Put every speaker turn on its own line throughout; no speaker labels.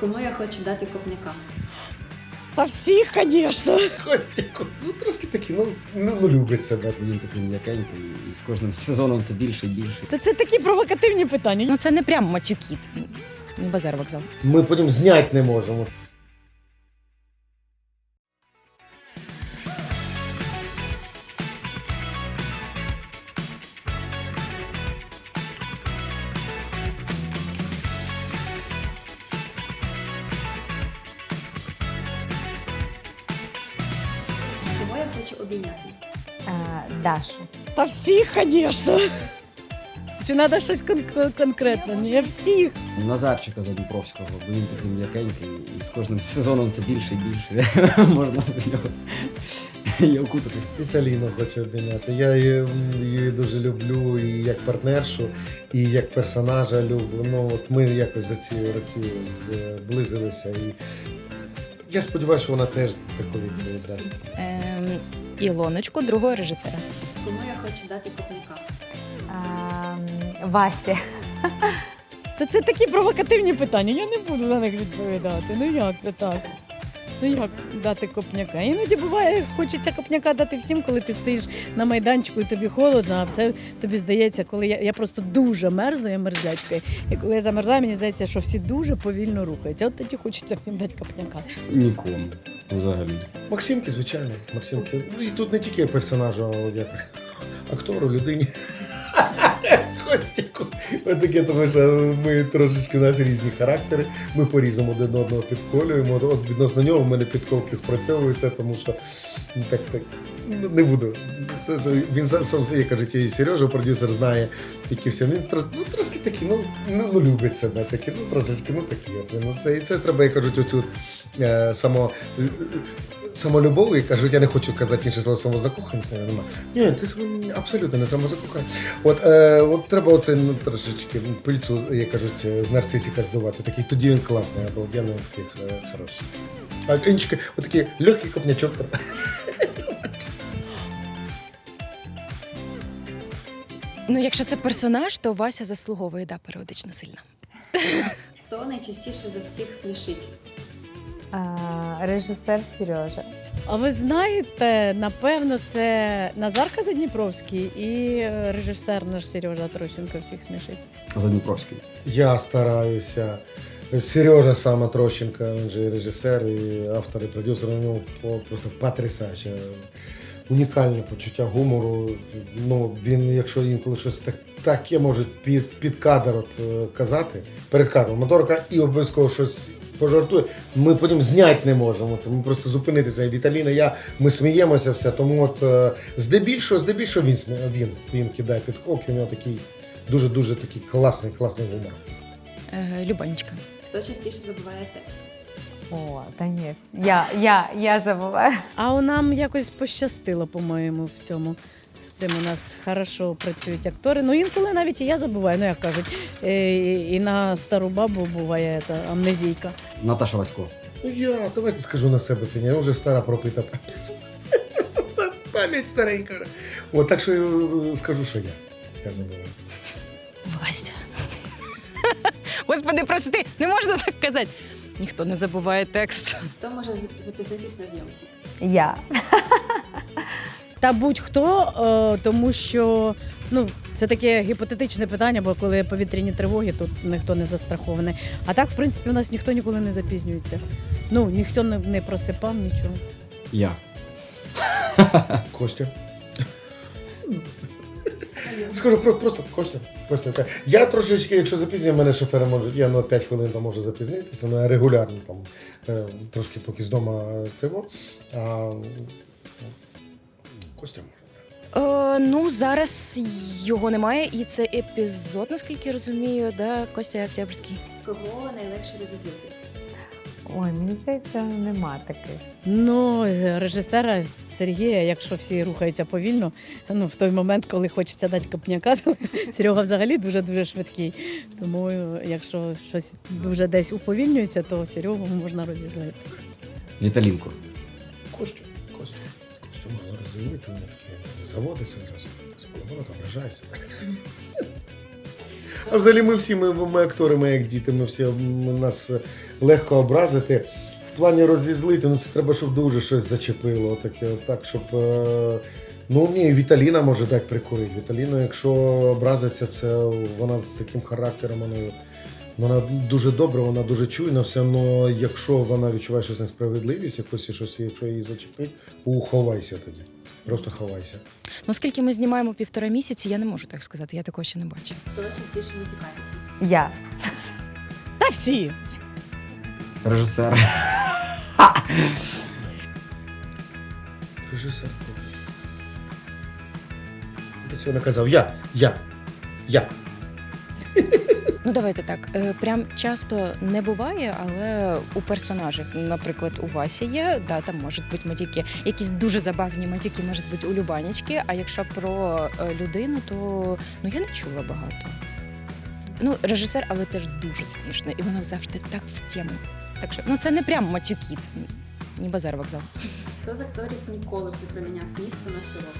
Кому я хочу дати копняка?
Та всіх, звісно.
Костяку. Ну, трошки такий, ну любить себе.
Він такий м'якенький, і з кожним сезоном все більше і більше.
То це такі провокативні питання.
Ну це не прям матюки, це не базар вокзал.
Ми потім зняти не можемо.
Кого я хочу обійняти?
Дашу.
Та всіх, звісно. Чи треба щось конкретне? Ні, всіх.
Назарчика Задніпровського, бо він такий м'якенький, і з кожним сезоном все більше і більше. Можна в нього і окутатись.
Віталіну хочу обійняти. Я її дуже люблю і як партнершу, і як персонажа люблю. Ну, от ми якось за ці роки зблизилися. І я сподіваюся, що вона теж таку відповідь дасть.
Ілоночку, другого режисера.
Кому я хочу дати копняка?
Вася.
То це такі провокативні питання. Я не буду на них відповідати. Ну як це так? Ну як дати копняка? Іноді буває, хочеться копняка дати всім, коли ти стоїш на майданчику і тобі холодно, а все тобі здається, коли я просто дуже мерзну, я мерзлячка. І коли я замерзаю, мені здається, що всі дуже повільно рухаються. От тоді хочеться всім дати копняка.
Нікому. Взагалі.
Максимки, звичайно. Максимки. Ну і тут не тільки персонажу, а як актору, людині. Костяку. Ось таке, тому що ми трошечки, у нас різні характери, ми по-різному один одного підколюємо. От відносно нього в мене підколки спрацьовуються, тому що так, не буду. Він сам, як кажуть, і Сережа, продюсер, знає, які всі. Він трошки такий, ну любить себе, такі, трошечки, такі от він. Все. І це треба, як кажуть, оцю самолюбов, і кажуть, я не хочу казати інше слово самозакоханість, нема. Ні, ти абсолютно не самозакоханий. От треба оце трошечки пильцу, як кажуть, з нарцисика здувати. Такий, тоді він класний, обалденний, такий хороший. А іншки, отакий легкий копнячок.
Ну, якщо це персонаж, то Вася заслуговує, періодично сильно.
Хто найчастіше за всіх смішить?
Режисер Сережа.
А ви знаєте, напевно, це Назарка Задніпровський і режисер наш Сережа Трощенко всіх смішить.
Задніпровський.
Я стараюся. Сережа саме Трощенко, він же і режисер, і автор, і продюсер, просто потрясаюче. Унікальне почуття гумору. Ну, він, якщо інколи щось таке може під кадр казати, перед кадром моторка і обов'язково щось пожартує, ми потім зняти не можемо. Це ми просто зупинитися. Віталіна, ми сміємося все. Тому от здебільшого він кидає підколки, у нього такий дуже такий класний гумор.
Любанечка.
Хто частіше забуває текст?
О, та ні, я забуваю.
А нам якось пощастило, по-моєму, в цьому. З цим у нас хорошо працюють актори. Ну, інколи навіть і я забуваю, як кажуть, і на стару бабу буває амнезійка.
Наташа Васько.
Давайте скажу на себе, я вже стара пропита пам'ять старенька. От, так що я скажу, що я забуваю.
Вася. Господи, прости, не можна так казати. Ніхто не забуває текст.
Хто може запізнитись на зйомку?
Я.
Та будь-хто, тому що це таке гіпотетичне питання, бо коли повітряні тривоги, тут ніхто не застрахований. А так, в принципі, у нас ніхто ніколи не запізнюється. Ніхто не просипав нічого.
Я.
Костя. Скажу просто Костя. Я трошечки, якщо запізнюю, мене шофери можуть, я на 5 хвилин там можу запізнитися, але регулярно там трошки поки з дому цього. Костя може.
Зараз його немає, і це епізод, наскільки я розумію, Костя Октябрьський.
Кого найлегше розізлити?
Ой, мені здається, нема таких.
Режисера Сергія, якщо всі рухаються повільно, в той момент, коли хочеться дати копняка, то Серега взагалі дуже-дуже швидкий. Тому якщо щось дуже десь уповільнюється, то Серегу можна розізлити.
Віталінку.
Костю можна розізлити, у мене таке заводиться зразу, з полоборота ображається. А взагалі ми всі, ми актори, ми як діти, ми всі нас легко образити. В плані розізлити, ну це треба, щоб дуже щось зачепило. Таке, так, щоб. Ну ні, Віталіна може так прикурити. Віталіна, якщо образиться, це вона з таким характером, вона дуже добра, вона дуже чуйна, все одно, якщо вона відчуває щось несправедливість, якщо її зачепить, ховайся тоді. Просто ховайся.
Ну, оскільки ми знімаємо 1,5 місяці, я не можу так сказати, я такого ще не бачила.
Хто частіше матюкається?
Я.
Та всі.
Режисер.
Режисер. До цього наказав я.
Ну, давайте так. Прям часто не буває, але у персонажів, наприклад, у Васі є, да, там можуть бути матюки. Якісь дуже забавні матюки можуть бути у Любанічки, а якщо про людину, то ну, я не чула багато. Ну, режисер, але теж дуже смішно, і вона завжди так в тему. Так що, ну, це не прям матюки, це ні базар вокзал.
Хто з акторів ніколи б не проміняв місто на село?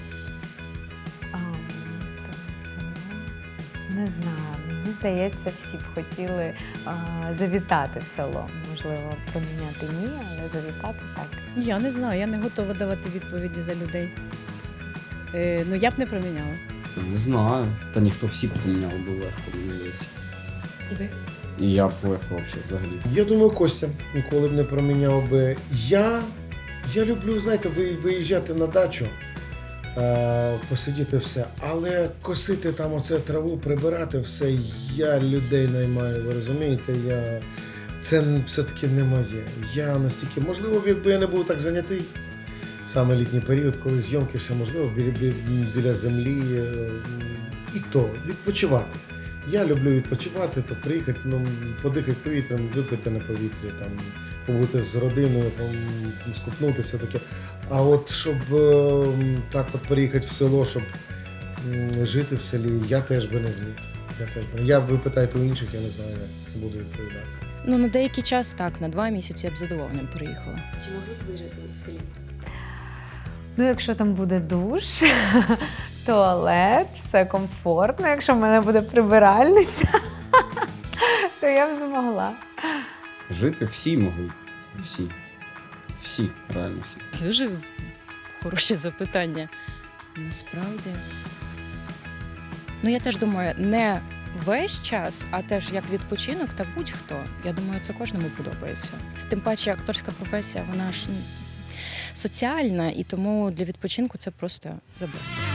Місто, село. Не знаю. Мені здається, всі б хотіли завітати в село. Можливо, проміняти ні, але завітати так.
Я не знаю, я не готова давати відповіді за людей. Ну, я б не проміняла.
Не знаю. Та ніхто всі поміняв би легко, мені здається.
І ви?
І я б легко взагалі.
Я думаю, Костя ніколи б не проміняв би. Я люблю, знаєте, виїжджати на дачу, посидіти все, але косити там оце траву, прибирати все, я людей наймаю, ви розумієте, це все-таки не моє. Я настільки, можливо, якби я не був так зайнятий, саме літній період, коли зйомки, все можливо, біля землі, і то, відпочивати. Я люблю відпочивати, то приїхати, подихати повітрям, випити на повітрі, там, побути з родиною, скупнутися таке. А от щоб так от переїхати в село, щоб жити в селі, я теж би не зміг. Ви питаєте у інших, я не знаю, як буду відповідати.
Ну, на деякий час так, на 2 місяці я б з задоволенням приїхала.
Чи могли б ви жити в селі?
Ну, якщо там буде душ, туалет, все комфортно, якщо в мене буде прибиральниця, то я б змогла.
Жити всі могли. Всі. Всі, реально всі.
Дуже хороше запитання. Насправді. Ну, я теж думаю, не весь час, а теж як відпочинок та будь-хто. Я думаю, це кожному подобається. Тим паче, акторська професія, вона ж соціальна, і тому для відпочинку це просто the best.